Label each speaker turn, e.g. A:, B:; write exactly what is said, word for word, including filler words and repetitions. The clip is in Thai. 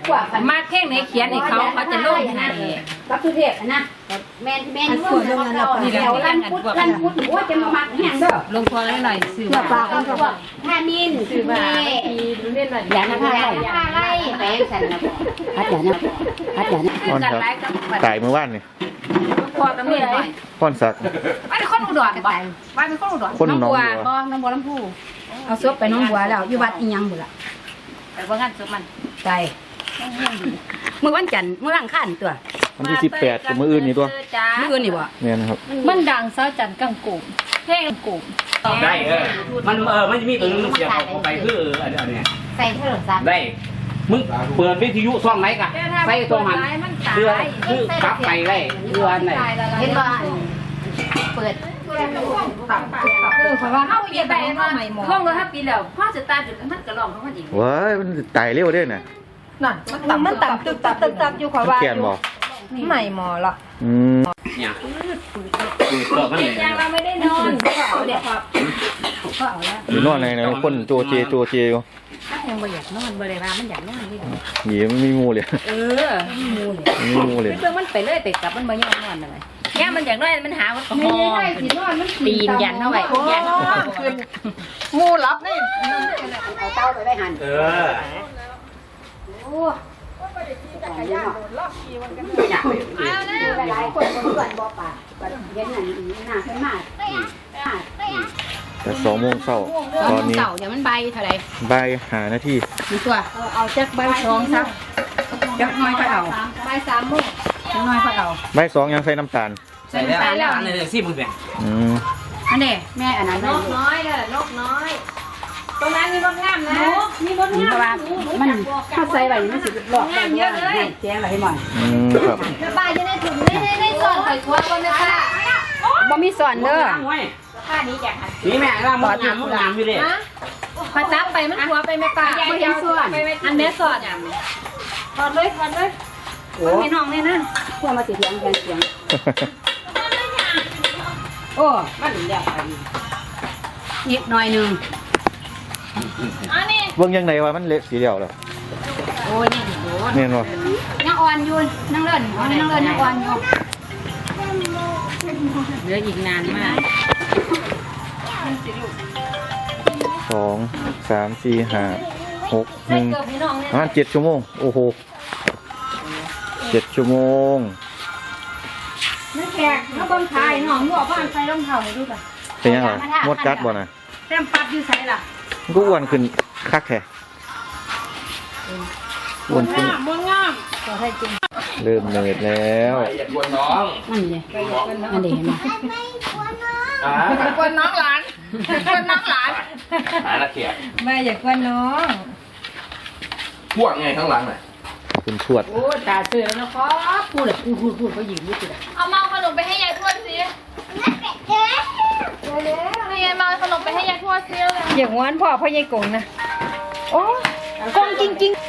A: กว่า
B: มาเพ่งในเขียนให้เขาเขาจะลงให้
A: รับทุเรียนนะแม่แม่นี่ว่าเราเดี๋ยวรันพุทธรันพุทธโอ้จะมามักแห้งเด้อ
B: ลงพอแล้วหน่อยซื้อ
A: ปากกันพวกท่ามินซื้อมาอย่านะท่าไรท่าไรแปลงสันนะพัดอย่านะพัดอย่านะ
C: พ่อนครับตายเมื่อวานนี่
B: พอตำรวจหน่อย
C: พ่อนสัก
B: ว่าเป็นคนอุดรบ่ว่าเป็นคนอุดร
C: คนหน้องบัว
A: บ่น้องบัวลำพูเอาซบไปน้องบัวแล้วอยู่วัดอีหยังบุล่ะ
B: แต่ว่างั้นสุดมัน
A: ใจเมื่อวันจันทร์เมื่อวันอังคารตัว
C: วันที่สิบแปดกับมื้ออื่นนี่ตัว
A: เมื่ออื่นนี่บ่
C: เนี่ยนะครับ
B: มันดังซะจันกังกูเพ่งกู
D: ได้เออมันเออมันจะมีตัวนึงเสียบเข้าไปคือเอออันอันเนี้ย
A: ใส่โทรศัพท์
D: ได้มึงเปิดวิทยุซ่องไหนกะใส่ตัวมันเพื่อคือกลับไปได้เพื่ออันไหน
A: เห็นบ่เปิด
B: เออเพราะว่าเขาเย็บไปว่าห้องเราถ้าปีแล้วพ่อจะตายจุดมันกระลองเขามันอีก
C: ว้ายมันตายเร็วเด้น่ะ
E: นั่นมันต่ำตึกตักตึกตักอยู่ขอ
C: มัน
E: ว่า
C: เขียนบ่
E: ใหม่หมอละ
C: อืม
D: เนี่ยคือเปิดมันเลย
B: ยังเราไม่ได้นอนเขาเด็กครับ
C: อยู่นอนในในคนโจเจโจเจอยู่
B: ถ้ายังไม่อยากนอนบ่ได้ว่ามันอยากนอนนี่
C: หยีมันมีงูเลย
B: เออมูเลย
C: มีงูเลย
B: เรื่องมันไปเลยไปกลับมันบ่ยอมนอนเลยเนี่ยมันอยากนอนมันหามันก็หอปีนยันเข้าไปยันขึ้น
E: งูรับนี่
A: เอาเต้าไปไว้หั่น
D: เออ
A: โอ้หลายคนบ่เพื่อนบ่ป่าเห็นนั่นน่าขึ้นมา
C: แต่สองโมงเช้าตอนนี้
B: เต่าเดี๋ยวมันใบเท่าไหร่
C: บ่ายหานาที
B: มันตัวเอาจักใบสองซะจักน้อยค่อยเอาใบสามโมงจักน้อยค่อยเอา
C: บ่ายสองยังใส่น้ำตาล
D: ใส่แล้วอันนี้สิมึงแบ่ง
C: อืม
B: อันนี้
A: แม่อันนั้น
B: นกน้อยเด้อนกน้อย ตรงนั้นมีมดงามนะมีมด
A: เพ
B: งาม
A: ราะว่ามันถ้าใส่ไว้มันสิหลอกได้เยอะเลยแจ้งไว้ให้หน่อย
C: อืมครับ
B: ป้าจะได้ถุงได้ได้ได้ส่วนไปทัวร์คนเลยค่ะ
A: บ่มีสอนเด้อ
B: ป้านี้อยากหัน
D: นี่แม่ร่างมดงามมดงามอยู่ดิ
B: พอจับไปมันทัวร์ไปแม่ป้า
A: บ่เห็นส่วน
B: อันแม่สอดถอดเลยถอดเลย
A: โอ้พี่น้องนี่นะพวกมาสิเถียงกันเสียงโอ้มันเรียกไปนิดหน่อยนึง
B: อันนี้
C: เบิ่งยังไงว่ามันเละสีเดียวแล้ว
A: โอ้ยนี่โดน
C: แม่นบ่
A: ยังอ่อนอยู่นั่งเล่นนั่งเล่นยังอ่อนอยู่
B: เหลืออีกนานมาก
C: สองสามสี่ห้าหกหนึ่งประมาณเจ็ดชั่วโมงโอ้โหเจ็ดชั่วโมง
A: นั่นแขกเขาเบิ่งขายน้องหัวบ้านใส่รองเท้าให้ดูจ้ะ
C: เป็นยังไงมดกัดบ่น่ะ
A: แต้มปัดอยู่ใส่ล่ะ
C: มันก็อ้วนขึ้นคักแท้อ้วนขึ้น
B: มดงาม
A: ตัวให้จริง
C: เริ่มเหนื่อยแล้ว
D: อย่ากวนน้อง
A: นั่นเลยนั่นเลยเห็นไหม
D: อ่า
B: กวนน้องหลานกวนน้องหลาน
D: หาละเขียด
E: แม่อย่ากวนน้อง
D: พวกไงข้างหลังน่ะ
C: คุณทวด
B: โอ้ตาเสือแล้วนะครับพูดเลยพูดพูดพูดเขาหยิบพูดเลย
F: เอามาขนมไปให้ยายทวดสินี่ยายมาขนมไปให้ยายทวดสิเลย
E: อย่างวันพ่อพ่อยายกงนะโอ้กงจริงๆ